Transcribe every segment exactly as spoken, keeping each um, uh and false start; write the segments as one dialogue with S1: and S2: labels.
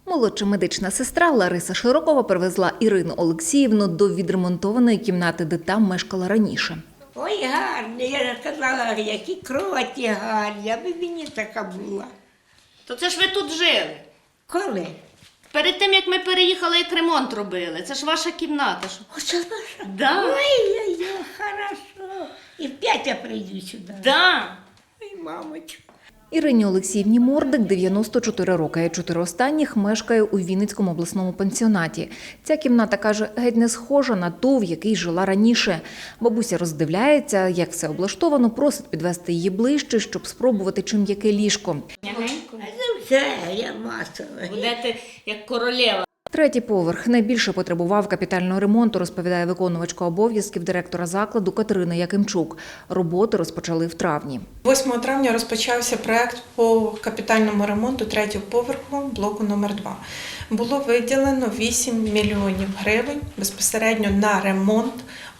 S1: Молодша медична сестра Лариса Широкова привезла Ірину Олексіївну до відремонтованої кімнати, де там мешкала раніше.
S2: Ой, гарні, я казала, які кроваті гарні, аби мені така була.
S3: То це ж ви тут жили.
S2: Коли?
S3: Перед тим, як ми переїхали, як ремонт робили. Це ж ваша кімната.
S2: Оце наша?
S3: Да.
S2: Ой-ой-ой, хорошо. І вп'ять я прийду сюди.
S3: Да.
S2: Ой, мамочка.
S1: Ірині Олексіївні Мордик дев'яносто чотири роки, а чотири останніх мешкає у Вінницькому обласному пансіонаті. Ця кімната, каже, геть не схожа на ту, в якій жила раніше. Бабуся роздивляється, як все облаштовано, просить підвести її ближче, щоб спробувати чим яке ліжко.
S3: Мягенько.
S2: А це все, я масова.
S3: Будете як королева.
S1: Третій поверх найбільше потребував капітального ремонту, розповідає виконувачка обов'язків директора закладу Катерина Якимчук. Роботи розпочали в травні.
S4: восьмого травня розпочався проект по капітальному ремонту третього поверху блоку номер два. Було виділено вісім мільйонів гривень безпосередньо на ремонт,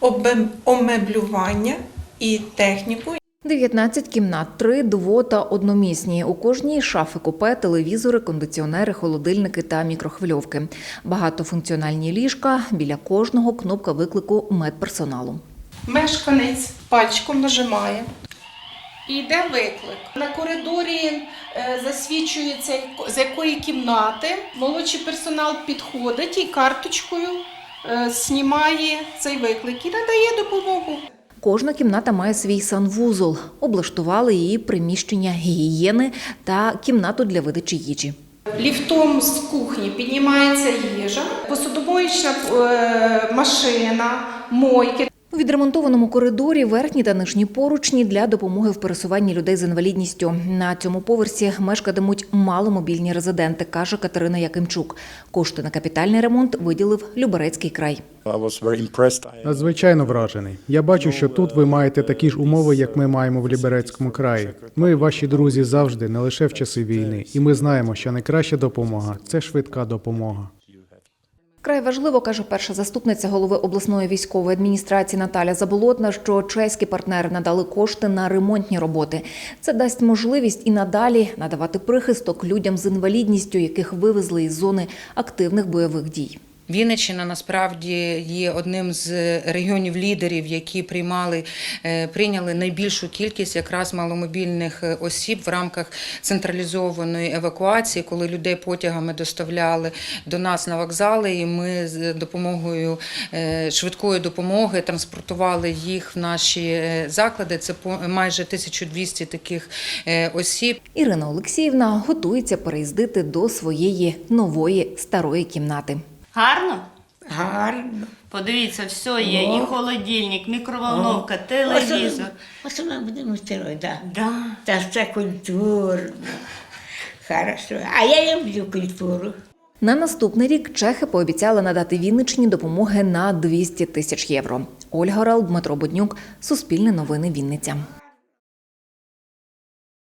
S4: омеблювання і техніку.
S1: дев'ятнадцять кімнат, три дво- та одномісні. У кожній шафи купе, телевізори, кондиціонери, холодильники та мікрохвильовки. Багатофункціональні ліжка, біля кожного кнопка виклику медперсоналу.
S4: Мешканець пальчиком нажимає і йде виклик. На коридорі е, засвідчується, з якої кімнати молодший персонал підходить і карточкою е, знімає цей виклик і надає допомогу.
S1: Кожна кімната має свій санвузол. Облаштували її приміщення гігієни та кімнату для видачі їжі.
S4: Ліфтом з кухні піднімається їжа, посудомоїчна е, машина, мойки.
S1: У відремонтованому коридорі верхні та нижні поручні для допомоги в пересуванні людей з інвалідністю. На цьому поверсі мешкатимуть маломобільні резиденти, каже Катерина Якимчук. Кошти на капітальний ремонт виділив Люберецький край.
S5: Надзвичайно вражений. Я бачу, що тут ви маєте такі ж умови, як ми маємо в Люберецькому краї. Ми, ваші друзі, завжди, не лише в часи війни. І ми знаємо, що найкраща допомога – це швидка допомога.
S1: Вкрай важливо, каже перша заступниця голови обласної військової адміністрації Наталя Заболотна, що чеські партнери надали кошти на ремонтні роботи. Це дасть можливість і надалі надавати прихисток людям з інвалідністю, яких вивезли із зони активних бойових дій.
S6: Вінниччина насправді є одним з регіонів-лідерів, які приймали, прийняли найбільшу кількість якраз маломобільних осіб в рамках централізованої евакуації, коли людей потягами доставляли до нас на вокзали, і ми з допомогою швидкої допомоги транспортували їх в наші заклади. Це майже тисяча двісті таких осіб.
S1: Ірина Олексіївна готується переїздити до своєї нової старої кімнати.
S3: Гарно?
S2: Гарно.
S3: Подивіться, все є.
S2: О.
S3: І холодильник, мікроволновка, телевізор.
S2: Ось ми будемо строїти, так.
S3: Да.
S2: Та це культурно. Хорошо. А я люблю культуру.
S1: На наступний рік чехи пообіцяли надати Вінниччині допомоги на двісті тисяч євро. Ольга Рал, Дмитро Буднюк, Суспільне новини, Вінниця.